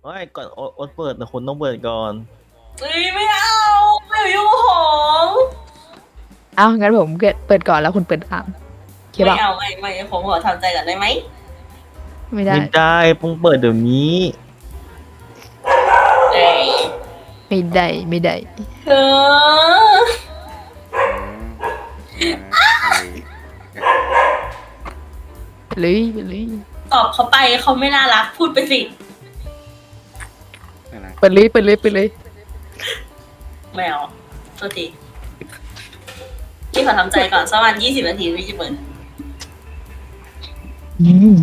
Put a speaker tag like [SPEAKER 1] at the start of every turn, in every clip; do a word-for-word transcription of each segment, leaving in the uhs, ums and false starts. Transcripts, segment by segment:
[SPEAKER 1] ไม่ก่อนโอ๊ตโอ๊ตเปิดแต่คุณต้องเปิดก่อน
[SPEAKER 2] เฮ้ยไม่เอาไม่อยู่ของ
[SPEAKER 3] เอางั้นผมเปิดเปิดก่อนแล้วคุณเปิดตามโอเค
[SPEAKER 2] ไม่
[SPEAKER 3] ป่ะ
[SPEAKER 2] เอาไม่ไม่ผมขอทำใจก่อนได้ไหม
[SPEAKER 3] ไม่ได้
[SPEAKER 1] ไม่ได้เพิ่งเปิดเดี๋ยวนี้
[SPEAKER 2] เอ้ย
[SPEAKER 3] ไม่ได้ไม่ได้
[SPEAKER 2] เออ
[SPEAKER 3] ไปเลยไปเลย
[SPEAKER 2] ตอบเขาไปเขาไม่น่ารักพูดไปสิ
[SPEAKER 3] เปิดเลยเปิดเลยเปิดเลย
[SPEAKER 2] ไม่เอาโทษทีพี่ขอทำใจก่อนสักวันยี่สิบนาทีพี่จะเปิด
[SPEAKER 3] อืม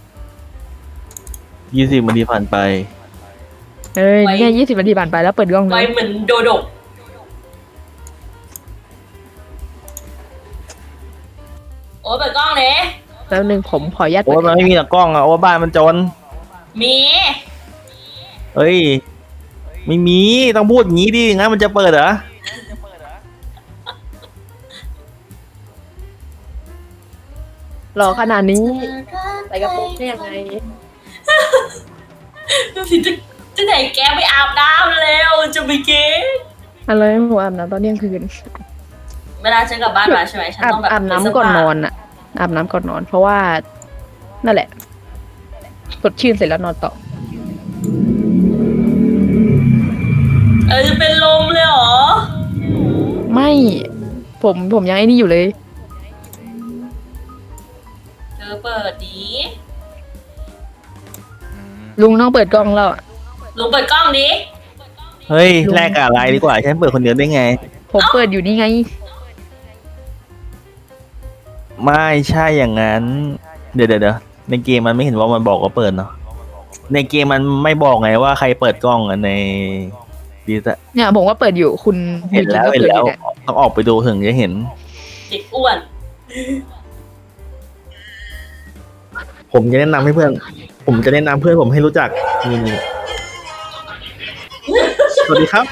[SPEAKER 1] ยี่สิบนาทีผ่านไป
[SPEAKER 3] เอ้ยเนี่ยยี่สิบนาทีผ่านไปแล้วเปิดกล้องเล
[SPEAKER 2] ไว้
[SPEAKER 3] ย
[SPEAKER 2] เหมือนโดโดกโอ้เปิดกล้องเลย
[SPEAKER 3] แล้วหนึ่งผมขออนุญาต
[SPEAKER 1] โอ๊
[SPEAKER 3] เปิ
[SPEAKER 1] ต
[SPEAKER 3] ด
[SPEAKER 1] มันไม่มีตะกล้องอะโอ๊ตบ้านมันจน
[SPEAKER 2] มี
[SPEAKER 1] เฮ้ยไม่มีต้องพูดอย่างนี้ดิงั้นมันจะเปิดเหรอ
[SPEAKER 3] หล่อขนาดนี้ใส่กระโปรงได้ยังไง
[SPEAKER 2] ดูสิจะจะไหนแกไปอาบน้ำแล้วจะไปเก๊
[SPEAKER 3] อะไรผมอาบน้ำตอนเที่ยงคืน
[SPEAKER 2] เวลาฉันกลับบ้านมาใช่ไหมฉัน
[SPEAKER 3] อาบ
[SPEAKER 2] ต้องแบบ
[SPEAKER 3] อาบน้ำก่อนนอนอะอาบน้ำก่อนนอน เพราะว่านั่นแหละสดชื่นเสร็จแล้วนอนต่อ
[SPEAKER 2] เออจะเป็นลมเลยเหรอ
[SPEAKER 3] ไม่ผมผมยังไอ้นี่อยู่เลย
[SPEAKER 2] เธอเปิดดี
[SPEAKER 3] ลุงต้องเปิดกล้องแล้วอะ
[SPEAKER 2] ลุงเปิดกล้องดิ
[SPEAKER 1] เฮ้ยแลกกับอะไรดีกว่าฉันเปิดคนเดียวได้ไง
[SPEAKER 3] ผมเปิดอยู่นี่ไง
[SPEAKER 1] ไม่ใช่อย่างนั้น เดี๋ยวเดี๋ยวเดี๋ยวในเกมมันไม่เห็นว่ามันบอกว่าเปิดเนาะในเกมมันไม่บอกไงว่าใครเปิดกล้องอะในดีซะ
[SPEAKER 3] เนี่ยผมว่าเปิดอยู่คุณ
[SPEAKER 1] เห็นแล้ว
[SPEAKER 3] ยู
[SPEAKER 1] เห็น
[SPEAKER 3] จิก็
[SPEAKER 1] แล้ว
[SPEAKER 3] ปิดอยู่ย
[SPEAKER 1] ต้องออกไปดูถึงจะเห็น
[SPEAKER 2] เด็กอ้วน
[SPEAKER 1] ผมจะแนะนำให้เพื่อน ผมจะแนะนำเพื่อนผมให้รู้จักนี่นี่สวัสดีครับ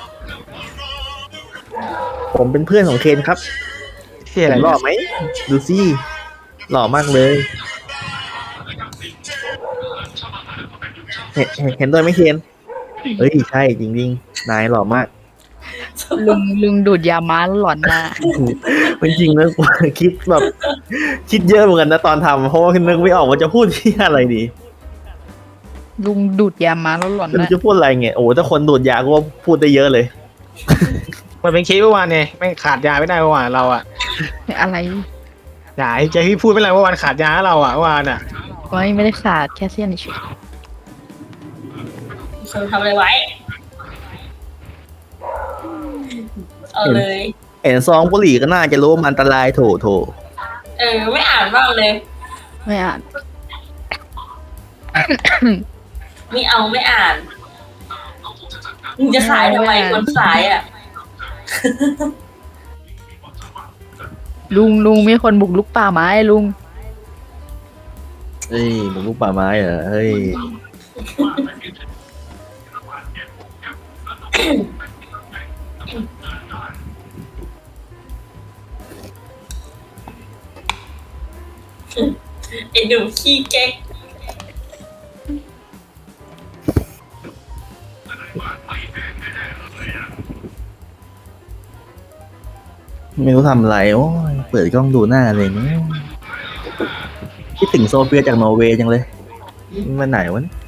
[SPEAKER 1] ผมเป็นเพื่อนของเคนครับ
[SPEAKER 4] ที่อะไร
[SPEAKER 1] ผมหล่อไหมดูสิหล่อมากเลยเห็นเห็นเห็นด้วยไหมเคนเฮ้ยใช่จริงๆนายหล่อมาก
[SPEAKER 3] ลุงลุงดูดยาม้าแล้วหลอนหน้า
[SPEAKER 1] จริงๆนะคิดแบบ คิดเยอะเหมือนกันนะตอนทำเพราะว่านึกไม่ออกว่าจะพูดที่อะไรดี
[SPEAKER 3] ลุงดูดยาม้าแล้วหลอน
[SPEAKER 1] ไม่
[SPEAKER 3] ห
[SPEAKER 1] รู้
[SPEAKER 3] น้า
[SPEAKER 1] จะพูดอะไรไงโอ้ถ้าคนดูดยาก็พูดได้เยอะเลย
[SPEAKER 4] มันเป็นเคสเมื่อวานไงไม่งขาดยาไม่ได้เมื่อวานเราอะ
[SPEAKER 3] อะไร
[SPEAKER 4] อย่าให้เจพี่พูดไม่ไรเมื่อวานขาดยาให้เราอะเมื่อวานอะ
[SPEAKER 3] ไม่ไม่ได้ขาดแค่เส้นเฉย
[SPEAKER 2] เธอทำอะไรไว้ เอาเลย
[SPEAKER 1] เห็นซองบุหรี่ก็น่าจะรู้ว่ามันอันตรายโถโถ
[SPEAKER 2] เออ ไม่อ่านบ้างเลย
[SPEAKER 3] ไม่อ่าน
[SPEAKER 2] ไม่เอาไม่อ่านมึงจะขายทำไมคนขายอ่ะ
[SPEAKER 3] ลุงลุงมีคนบุกลุกป่าไม้ลุง
[SPEAKER 1] เฮ้ยหมูลูกป่าไม้เหรอเฮ้ย
[SPEAKER 2] ไอ้หนูขี้เก๊ก
[SPEAKER 1] ไม่รู้ทำอะไรโอ้ยเปิดกล้องดูหน้าเลยเนี่ยคิดถึงโซเฟียจากนอร์เวย์จังเลยมันไหนวะเนี่ย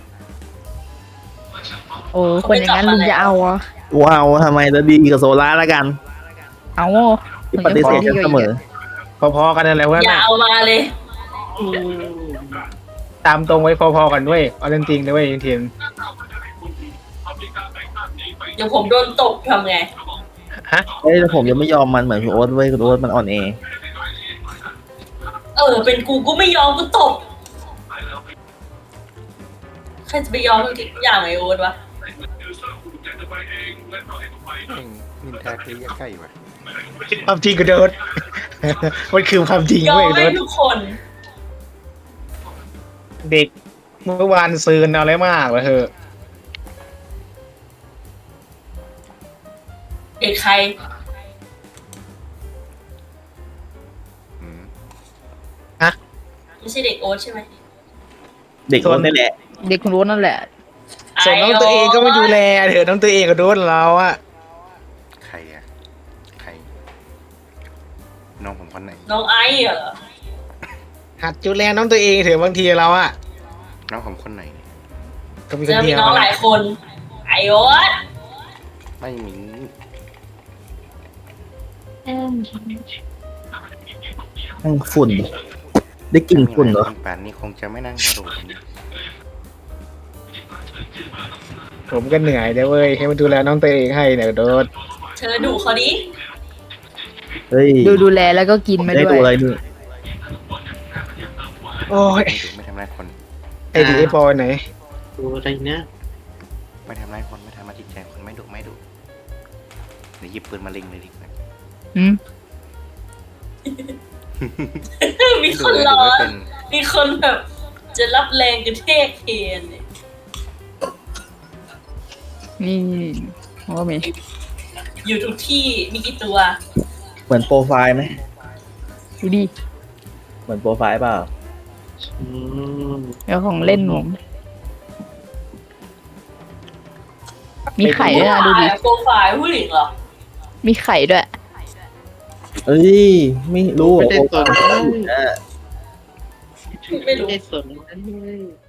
[SPEAKER 3] โอ้คนอย่างนั้นลุงจะเอาอ่ะ
[SPEAKER 1] ว้าวทำไมจะดีกับโซล่าละกัน
[SPEAKER 3] เอา
[SPEAKER 1] ที่ปฏิเสธกันเสมอ
[SPEAKER 4] พอๆกันนั่นแหละเพื่อน
[SPEAKER 2] อย่า
[SPEAKER 4] อะ
[SPEAKER 2] เอามาเลย
[SPEAKER 4] ตามตรงไว้พอๆกันด้วยเอาจริงๆนะเว้ยทีม
[SPEAKER 2] เดี๋ยวผมโดนตกทำไง
[SPEAKER 4] ฮะ
[SPEAKER 1] เฮ้ยแต่ผมยังไม่ยอมมันเหมือนคุณโอ๊ตเว้ยคุณโอ๊ตมันอ่อนแอ
[SPEAKER 2] เออ เป็นกูกูไม่ยอมกูตบใครจะไปยอมทุกอย่างไอโอ๊ตวะ
[SPEAKER 5] นินทาเทยะใกล้ว่ะ
[SPEAKER 4] ความจริงก็โดน มันคือความจริง
[SPEAKER 2] ยอม
[SPEAKER 4] เว้ยโด
[SPEAKER 2] ให้
[SPEAKER 4] น
[SPEAKER 2] ทุกคน
[SPEAKER 4] เด็กเมื่อวานซืนเอาอะไรมากวะเธอ
[SPEAKER 2] เด็กใคร
[SPEAKER 5] อืม
[SPEAKER 2] ไม่ใช่เด็กโอ๊ตใช่ไหม
[SPEAKER 1] เด็กโอ๊ตนี่แหละ
[SPEAKER 3] เด็กคุณรู้นั่นแหละ
[SPEAKER 2] อ่
[SPEAKER 4] ส่วนน้องตัวเองก็ไม่ดูแลเถอะน้องตัวเองก็โดนเราอะ
[SPEAKER 5] ใครอะใคร น้องผมคนไหน
[SPEAKER 2] น้องไอซ์เหรอ
[SPEAKER 4] หัดดูแลน้องตัวเองเถอะบางทีเราอะ
[SPEAKER 5] น้องผมคนไหนเนี่ย
[SPEAKER 4] ก็มีค
[SPEAKER 2] เจ
[SPEAKER 4] น
[SPEAKER 2] อ
[SPEAKER 4] เดี
[SPEAKER 2] มี
[SPEAKER 4] ยว
[SPEAKER 2] น้องหลายคน ไอโอ๊ต
[SPEAKER 5] ไม่มี
[SPEAKER 1] นั่งฝุ่น ได้กลิ่นฝุ่นเหรอ
[SPEAKER 5] ป่านนี้คงจะไม่นั่งหัวโดด
[SPEAKER 4] ผมก็เหนื่อยเด้อเว้ยให้มาดูแลน้องตัวเองให้เนี่ยโดน
[SPEAKER 2] เธอดูเขาดิ
[SPEAKER 1] เฮ้ย
[SPEAKER 3] ดูดูแลแล้วก็กินมา
[SPEAKER 1] ได้
[SPEAKER 3] ด้ว
[SPEAKER 1] ตัวอะไร
[SPEAKER 3] ย
[SPEAKER 1] นี่
[SPEAKER 4] โอ้ย
[SPEAKER 5] ไม่ดุไม่ทำร้ายคน
[SPEAKER 4] ไอ้ดีไอ้ปอยไหน
[SPEAKER 6] ดูอะไรนะ
[SPEAKER 5] ไม่ทำร้ายคนไม่ทำร้ายจิตใจคนไม่ดุไม่ดุเดี๋ยวหยิบปืนมาเล็งเลยดีกว่า
[SPEAKER 3] อืม
[SPEAKER 2] มีคนรอ
[SPEAKER 5] ไม่เป็น
[SPEAKER 2] มีคนแบบ จะรับแรงกระเทกเคนเนี่ย
[SPEAKER 3] นี่ผมก็มี
[SPEAKER 2] อยู่ทุกที่มีกี่ตัว
[SPEAKER 1] เหมือนโปรไฟล์ไหม
[SPEAKER 3] ดูดิ
[SPEAKER 1] เหมือนโปรไฟล์เปล่า
[SPEAKER 6] อืม
[SPEAKER 3] แล้วของเล่นผมมีไข่ด้วยนะดูดิ
[SPEAKER 2] โปรไฟล์ผู้หญิงเหรอ
[SPEAKER 3] มีไข่ด้วย
[SPEAKER 1] เอ้ย ไม่รู้
[SPEAKER 6] ไม่
[SPEAKER 1] เหรอ
[SPEAKER 6] ได้สน
[SPEAKER 1] อ่ะ
[SPEAKER 2] ไม่รู้
[SPEAKER 6] ไม่ได้สนนั่นเลย